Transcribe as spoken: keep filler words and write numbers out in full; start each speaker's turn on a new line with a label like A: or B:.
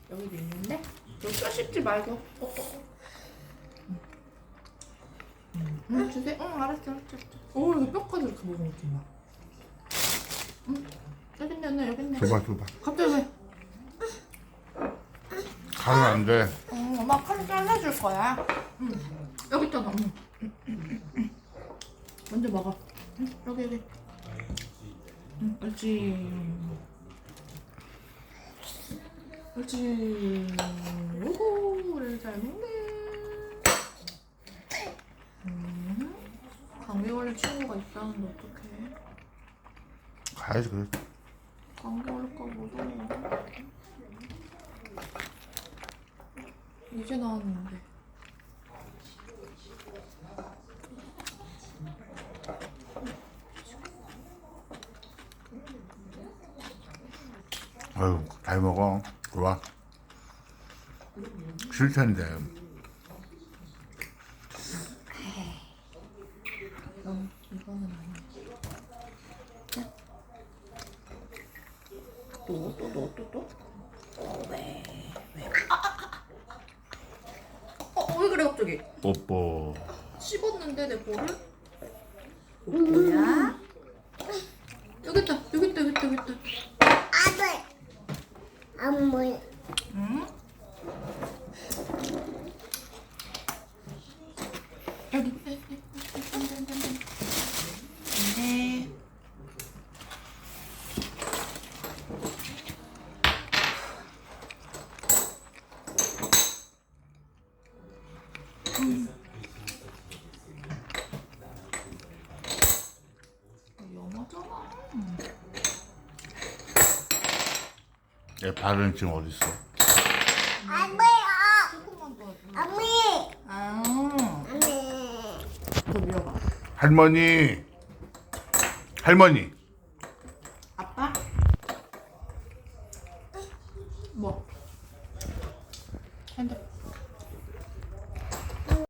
A: 여기도 있는데 여기 뼈 씹지 말고. 어, 어, 어. 응, 응, 주세요. 응, 알았어, 알았어. 오, 이거 뼈까지 이렇게 먹으면 좀 봐. 응, 여기 있네, 언니, 여기 있네.
B: 줘봐 줘봐.
A: 갑자기 왜?
B: 가면 안 돼.
A: 응, 엄마 칼로 잘라줄 거야. 응, 여기 있잖아. 응. 먼저 먹어. 응, 여기, 여기. 응, 옳지. 옳지. 오호를 잘 먹네. 음, 감기 걸린 친구가 있다는데 어떡해.
B: 가야지 그래.
A: 감기 걸릴까 무서워. 이제 나왔는데.
B: 아유 잘 먹어. 좋아. 싫텐데.
A: 어, 이거는 아니야. 또, 또, 또, 또, 또? 어, 왜? 왜? 아, 아, 아. 어, 왜 그래, 갑자기?
B: 뽀뽀.
A: 씹었는데, 내 볼을? 뭐야? 여기 있다, 여기 있다, 여기 있다, 여기 있다.
C: 아들 안 보여.
A: 응? 여기. 네. 음. 영어잖아.
B: 얘 발은 지금 어디 있어?
C: 안 보여.
A: 조금만 더.
C: 어미.
A: 아,
C: 어미.
A: 더 밀어봐.
B: 할머니. 할머니.
A: 아빠? 뭐? 핸드.